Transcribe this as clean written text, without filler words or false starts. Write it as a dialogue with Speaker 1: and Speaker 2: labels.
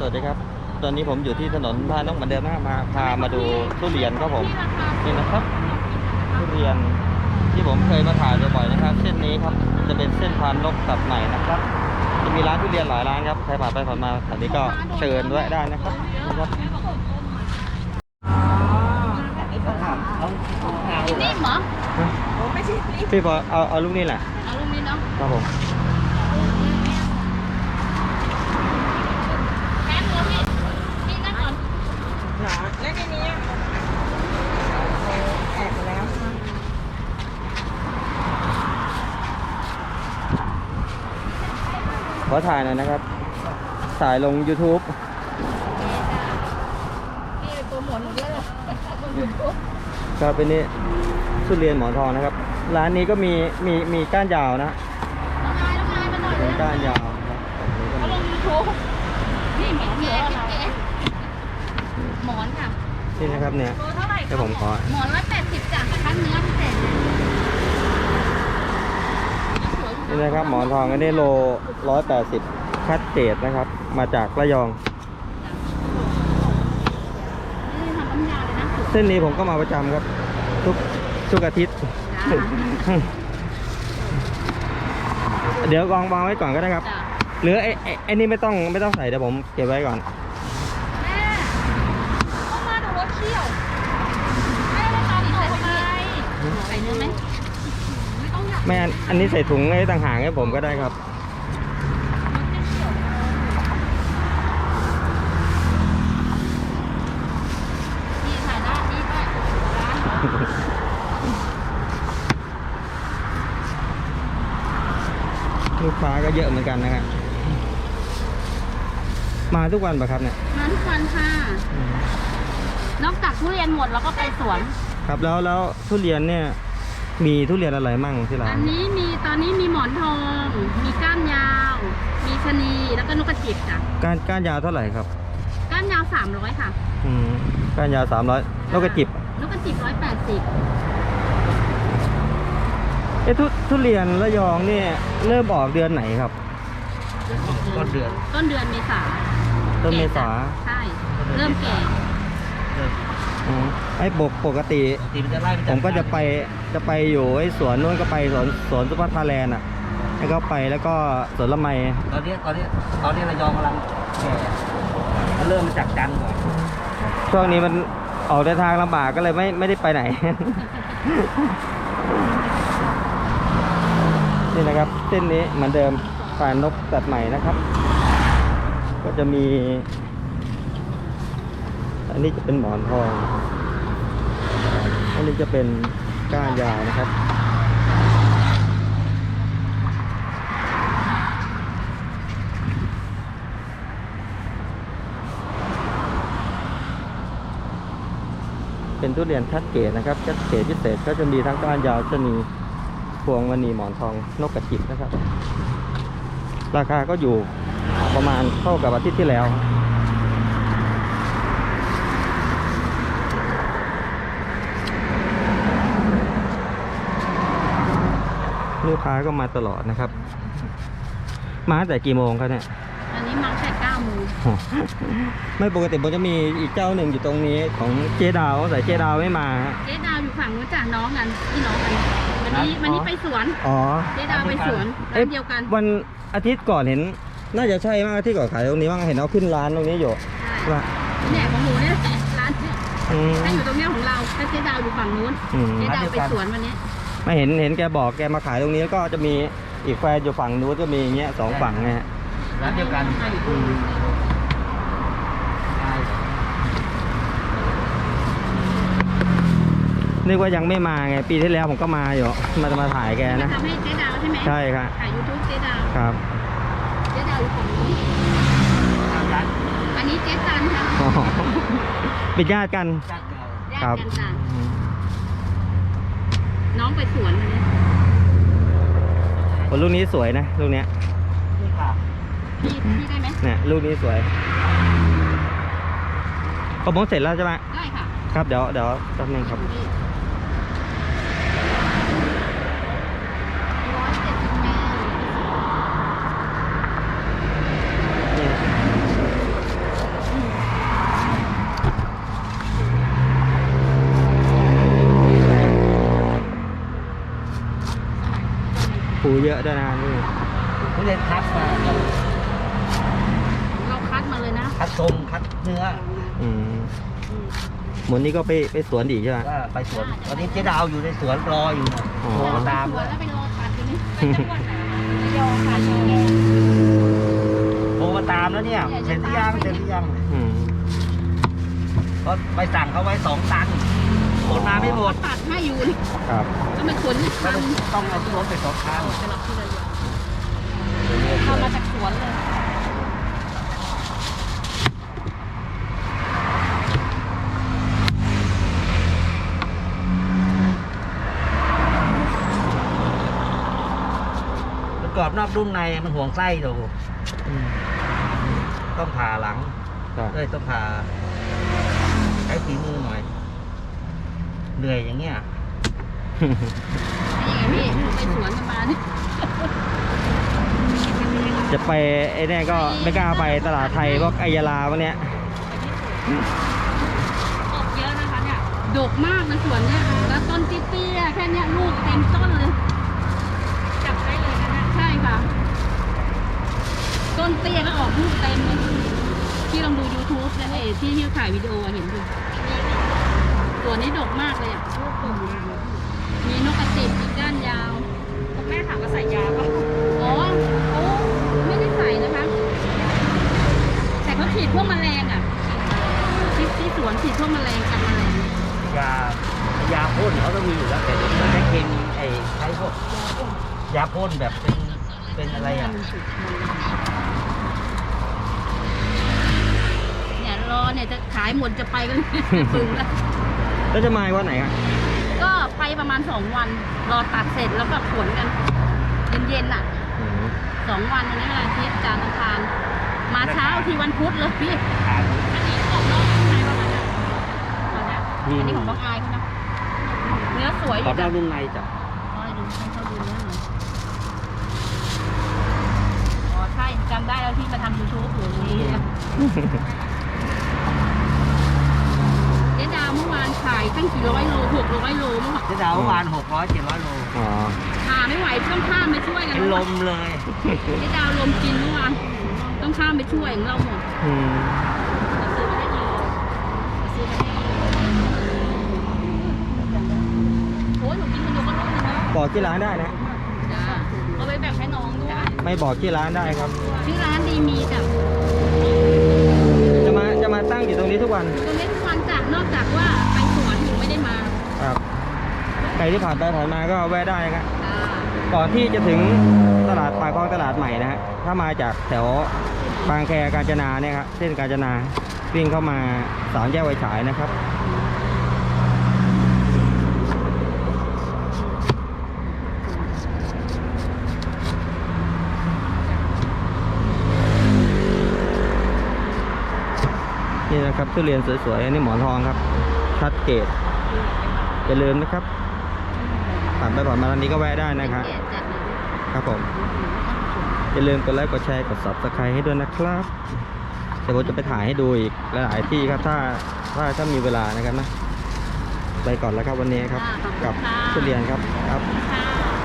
Speaker 1: วัสดีครับตอนนี้ผมอยู่ที่ถนนพานกเหมือนเดิมนะพามาดูทุเรียนครับผมนี่นะครับทุเรียนที่ผมเคยมาถ่ายบ่อยๆนะครับเส้นนี้ครับจะเป็นเส้นพานนกตัดใหม่นะครับจะมีร้านทุเรียนหลายร้านครับใครผ่านไปผ่านมาแถวนี้ก็เชิญแวะได้นะครับ
Speaker 2: นิ่มเหรอ
Speaker 1: พี่พอเอาลูกนี้แหละ
Speaker 2: เอาลูกนี้เนาะ
Speaker 1: ครับผม
Speaker 2: แป๊บนึงพี่นั่งก่อน
Speaker 3: แล้วในนี้แอบแล้ว
Speaker 1: ขอถ่ายหน่อยนะครับถ่ายลง YouTube
Speaker 2: พี่โปรโมทเยอะเลย
Speaker 1: ครับเป็นนี่ทุเรียนหมอนทองนะครับร้านนี้ก็มีก้านยาวนะ
Speaker 2: น้องนายมาหน่อย
Speaker 1: เป็นก้านยาวครับ
Speaker 2: เขาลงยูทูบนี่หมอนเก๋หมอนค่ะ
Speaker 1: นี่นะครับเนี่ย
Speaker 2: โลเท่าไหร่
Speaker 1: ให้ผมขอ
Speaker 2: หมอน180จ้ะคั้นเนื้อพิเศษ
Speaker 1: นี่นะครับหมอนทองอันนี้โล180คัดเกรดนะครับมาจากระยอง
Speaker 2: นี่ทำน้ำยาเลยนะ
Speaker 1: เส้นนี้ผมก็มาประจำครับทุกอาทิตย์ เดี๋ยววางไว้ก่อนก็ได้ครับหรือไอ้นี่ไม่ต้องใส่เดี๋ยวผมเก็บไว้ก่อน
Speaker 2: แม่เข้ามาดูรถเที่ยวแม่ได้ตามต่อทำไมใส่เนื้อไหมไม่ต้องอยาก
Speaker 1: แม่อันนี้ใส่ถุงให้ต่างหากให้ผมก็ได้ครับ
Speaker 2: นี่ถ่ายหน้านี่ด้วยร้าน
Speaker 1: ลูกค้าก็เยอะเหมือนกันนะครับมาทุกวันป่ะครับเนี่ย
Speaker 2: มาทุกวันค่ะนอกจากทุเรียนหมดแล้วก็ไปสวน
Speaker 1: ครับแล้วทุเรียนเนี่ยมีทุเรียนอะไรมั่งที่ร้าน
Speaker 2: อันนี้ตอนนี้มีหมอนทองมีก้านยาว มีชะนีแล้วก็นกกระจิบจ้ะ
Speaker 1: ก้านยาวเท่าไหร่ครับ
Speaker 2: ก้านยาว300ค่ะ
Speaker 1: ก้านยาว300นกกระจิบ
Speaker 2: 180
Speaker 1: ทุเรียนระยองเนี่ยเริ่มออกเดือนไหนครับต้นเดือน
Speaker 2: เมษา
Speaker 1: ต้นเมษา
Speaker 2: ใช่เริ่มแก่
Speaker 1: ไอ้ปกติผมก็จะไปอยู่ไอ้สวนนู้นก็ไปสวนซุปเปอร์ทาแลนด์อ่ะแล้วก็ไปแล้วก็สวนละไม
Speaker 3: ตอนนี้ระยองกำลังแก่เริ่มมาจากจันทร์ก่อน
Speaker 1: ช่วงนี้มันออกเดินทางลำบากก็เลยไม่ได้ไปไหน นี่นะครับเส้นนี้เหมือนเดิมพานนกตัดใหม่นะครับ ก็จะมีอันนี้จะเป็นหมอนทองอันนี้จะเป็นก้านยาวนะครับเป็นทุเรียนคัดเกรดนะครับคัดเกรดพิเศษก็จะมีทั้งก้านยาวชะนีพวงมณีหมอนทองนกกระจิบนะครับราคาก็อยู่ประมาณเท่ากับอาทิตย์ที่แล้วลูกค้าก็มาตลอดนะครับมาแต่กี่โมงครับเนี่ย
Speaker 2: อันนี้มาแต่9 โมง
Speaker 1: ไม่ปกติผมจะมีอีกเจ้าหนึ่งอยู่ตรงนี้ของเจ๊ดาวแต่เจ๊ดาวไม่มา
Speaker 2: เจ๊ดาวอยู่ฝั่งนู้นจ้ะน้องกันพี่น้องกันวันนี้ไปสวนเจ๊ดาวไปสวนร้านเดียวกัน
Speaker 1: วันอาทิตย์ก่อนเห็นน่าจะใช่มากที่ก่อนขายตรงนี้บ้างเห็นเขาขึ้นร้านตรงนี้อยู่
Speaker 2: ว่าเนี่ยของหนูเนี่ยร้านถ้าอยู่ตรงนี้ของเราถ้าเจ๊ดาวอยู่ฝั่งนู้นเจ๊ดาวไปสวนวันนี้
Speaker 1: ไม่เห็นแกบอกแกมาขายตรงนี้แล้วก็จะมีอีกแฟนอยู่ฝั่งนู้นก็มีอย่างเงี้ย2ฝั่งไง
Speaker 3: ร้านเดียวกัน
Speaker 1: นึกว่ายังไม่มาไงปีที่แล้วผมก็มาอยู่มาถ่ายแกนะ
Speaker 2: ทำให้เจ๊ดาวใช่ไหม
Speaker 1: ใช่ครับ
Speaker 2: ถ่าย YouTube เจ๊ดาว
Speaker 1: ครับ
Speaker 2: เจ๊ดาวอยู่ฝั่งนี้อันนี้เจ๊จันค่ะ
Speaker 1: เป็นญาติกัน
Speaker 2: ครับน้องไปสวนวันนี้
Speaker 1: ลูกนี้สวยนะลูกเนี้ย
Speaker 2: พี่ได้ไหม
Speaker 1: เนี่ยลูกนี้สวยก็มองเสร็จแล้วใช่ไหม
Speaker 2: ได้ค่ะ
Speaker 1: ครับเดี๋ยวแป๊บนึงครับภูเยอะด้วยนะนี่
Speaker 3: ทุเรียนคัดมา
Speaker 2: เราคัดมาเลยนะ
Speaker 3: คัดทรงคัดเนื้อ
Speaker 1: อืมหมดนี้ก็ไปสวนอีกใช่ไหม
Speaker 3: ก็ไปสวนตอนนี้เจ๊ดาวอยู่ในสวนรออยู่นะ
Speaker 1: อ๋อ
Speaker 3: โทรมาตาม
Speaker 2: สว
Speaker 3: แล้
Speaker 2: น
Speaker 3: ว
Speaker 2: แล้วไปรอคัดอยู่นี่ไปจังหวัดไหนระยองค่ะระยอง
Speaker 3: โทรมาตามแล้วเนี่ยเสร็จหรือยังเสร็จหรือยัง
Speaker 1: อืม
Speaker 3: ก็ไปสั่งเขาไว้2 ตันขนมาไม่หมด
Speaker 2: ตัดให้อยู่นี่
Speaker 1: ครับ
Speaker 2: แล้วมันขนนี่
Speaker 3: ก็
Speaker 2: ทำ
Speaker 3: ต้องเอาที่รถไป2 คัน
Speaker 2: ไปรับที่ระยองทำมาจากสวนเลย
Speaker 3: แล้วกรอบนอกนุ่มในมันห่วงไส้ดู
Speaker 1: อืม
Speaker 3: ต้องผ่าหลัง
Speaker 1: ครับ
Speaker 3: ต้องผ่าใช้ฝีมือหน่อย เหนื่อยอย่างเงี้ย
Speaker 2: นี่ไงพี่ไปสวนกันมานี่
Speaker 1: จะไปไอ้เนี่ยก็ไม่กล้าไปตลาดไทยพวกไอยาลาพวกเนี้ย
Speaker 2: ออกเยอะนะคะเนี่ยดกมากนะสวนเนี่ยแล้วต้นเตี้ยๆแค่เนี้ยลูกเต็มต้นเลยจับได้เลยนะใช่ค่ะ ต้นเตี้ยแล้วออกลูกเต็มเลยที่ลองดู YouTube นะที่ถ่ายวิดีโอเห็นดูตัวนี้ดกมากเลยอ่ะมีนกกระจิบมีก้านยาวคุณแม่ถามว่าใส่ยาป่ะอ๋อโอ้ไม่ได้ใส่นะคะ แต่เขาฉีดพวกแมลงอ่ะที่สวนฉีดพวกแมลงกันแมลง
Speaker 3: ยาพ่นเขาต้องมีอยู่แล้วแต่เดี๋ยวนี้ใช้เคมีใช้พวกยาพ่นแบบเป็นอะไรอ่ะ
Speaker 2: เนี่ยรอเนี่ยจะขายหมดจะไปกันปึงแล้ว
Speaker 1: แล้วจะมาวันไหนครับ
Speaker 2: ก็ไปประมาณ2 วัน รอตัดเสร็จแล้วก็ขนกันเย็นๆอ่ะ
Speaker 1: อืม
Speaker 2: 2 วันวันนี้วันอาทิตย์จันทร์อังคารมาเช้าที่วันพุธเลยพี่
Speaker 3: ทาน
Speaker 2: อันนี้ของน้องชายประมาณนั้นอันนี้ของน้องอายเขานะเนื้อสวยอ
Speaker 3: ขอยู่ บ
Speaker 2: จ้ะ
Speaker 3: นอกนุ่มในจ้ะ
Speaker 2: ให้ดูให้เขาดูเนื้อหน่อยอ๋อใช่จำได้แล้วที่มาทำ YouTube อยู่นี่เจ๊ดาวเมื่อวานขายตั้งกี่ร้อยโล600 โลเมื่อวาน
Speaker 3: เจ๊ดาวเมื่อวาน600-700 โล
Speaker 1: อ๋อ
Speaker 2: หาไม่ไหวต้องข้ามไปช่วยกัน
Speaker 3: เป็นลมเลย
Speaker 2: เจ๊ดาวลมกินเมื่อวานต้องข้ามไปช่วยของเราหมด
Speaker 1: อืม
Speaker 2: ซื้อมาได้กี่โลซื้อมาได้โอ้ยหนูกินคนเดียวก็รู้เลยนะ
Speaker 1: บอกที่ร้านได้นะ
Speaker 2: จ้าเอาไปแบ่งให้น้องด้วย
Speaker 1: ไม่บอกที่ร้านได้ครับ
Speaker 2: ชื่อร้านดีมีจ้ะ
Speaker 1: จะมาตั้งอยู่ตรงนี้ทุกวัน
Speaker 2: ตรงนี้ทุกวันจ้ะนอกจากว่าไปสวนหนูไม่ได้มา
Speaker 1: ครับใครที่ผ่านไปผ่านมาก็แวะได้นะครับ
Speaker 2: จ้า
Speaker 1: ก่อนที่จะถึงตลาดปากคลองตลาดใหม่นะฮะ ถ้ามาจากแถวบางแคกาญจนาเนี่ยครับเส้นกาญจนาวิ่งเข้ามา3 แยกไฟฉายนะครับ นี่นะครับทุเรียนสวยๆอันนี้หมอนทองครับ ชัดเกตอย่าลืมนะครับผ่านไปผ่านมาร้านนี้ก็แวะได้นะครับ
Speaker 2: เจ๊จัดเลย
Speaker 1: ครับผมอย่าลืมกดไลค์กดแชร์กด Subscribe ให้ด้วยนะครับเดี๋ยวผมจะไปถ่ายให้ดูอีกหลายๆที่ครับถ้ามีเวลานะครับนะไปก่อนแล้วครับวันนี้ครับกับทุเรียนครับ
Speaker 2: ค่ะ